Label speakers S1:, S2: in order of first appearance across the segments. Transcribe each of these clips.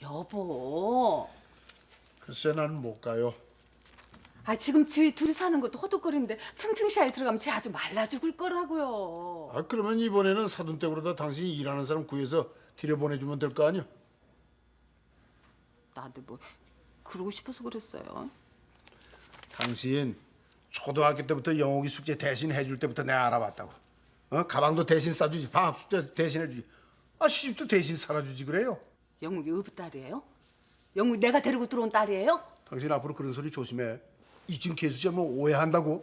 S1: 여보.
S2: 글쎄 난 못 가요.
S1: 지금 저희 둘이 사는 것도 허덕거리는데 층층샤에 들어가면 쟤 아주 말라 죽을 거라고요.
S2: 그러면 이번에는 사돈댁으로다 당신이 일하는 사람 구해서 들여보내주면 될 거 아니야?
S1: 나도 뭐 그러고 싶어서 그랬어요.
S2: 당신 초등학교 때부터 영옥이 숙제 대신 해줄 때부터 내가 알아봤다고. 가방도 대신 싸주지, 방학 숙제 대신 해주지. 시집도 대신 살아주지 그래요.
S1: 영욱이 어부 딸이에요? 영욱이 내가 데리고 들어온 딸이에요?
S2: 당신 앞으로 그런 소리 조심해. 이쯤 개수자면 오해한다고.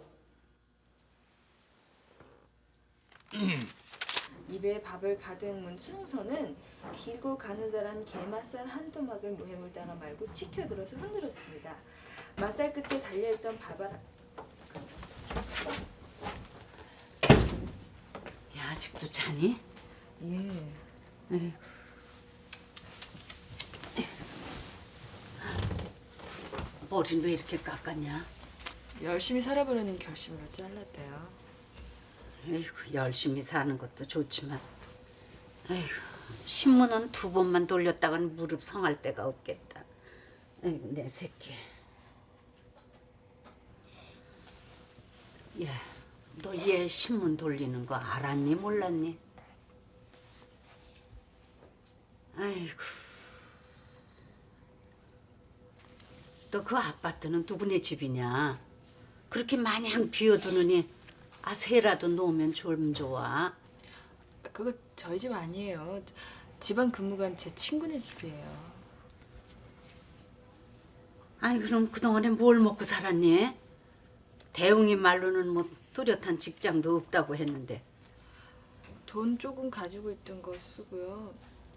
S3: 입에 밥을 가득 문 충선은 길고 가느다란 게맛살 한 토막을 무해물다가 말고 치켜들어서 흔들었습니다. 맛살 끝에 달려있던 밥알
S1: 야, 아직도 자니?
S3: 예.
S1: 에이구. 머리는 왜 이렇게 깎았냐?
S3: 열심히 살아보려는 결심으로 잘랐대요.
S1: 에이구, 열심히 사는 것도 좋지만 에이구, 신문은 2번만 돌렸다간 무릎 성할 데가 없겠다. 에이구, 내 새끼. 야, 너 얘 신문 돌리는 거 알았니 몰랐니? 아이고. 너 그 아파트는 누구네 집이냐? 그렇게 마냥 비워두느니 새라도 놓으면 좀 좋아.
S3: 그거 저희 집 아니에요. 집안 근무간 제 친구네 집이에요.
S1: 아니 그럼 그동안에 뭘 먹고 살았니? 대웅이 말로는 뭐 뚜렷한 직장도 없다고 했는데.
S3: 돈 조금 가지고 있던 거 쓰고요.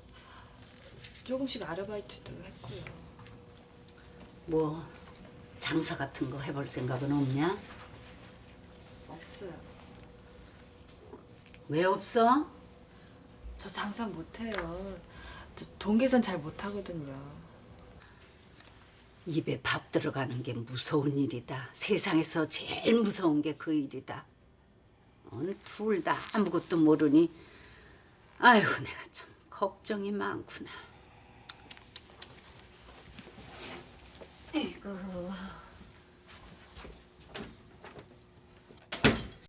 S3: 조금씩 아르바이트도 했고요.
S1: 뭐 장사 같은 거 해볼 생각은 없냐?
S3: 없어요.
S1: 왜 없어?
S3: 저 장사 못해요. 저 돈 계산 잘 못하거든요.
S1: 입에 밥 들어가는 게 무서운 일이다. 세상에서 제일 무서운 게 그 일이다. 둘 다 아무것도 모르니 아이고 내가 참 걱정이 많구나. 아이고.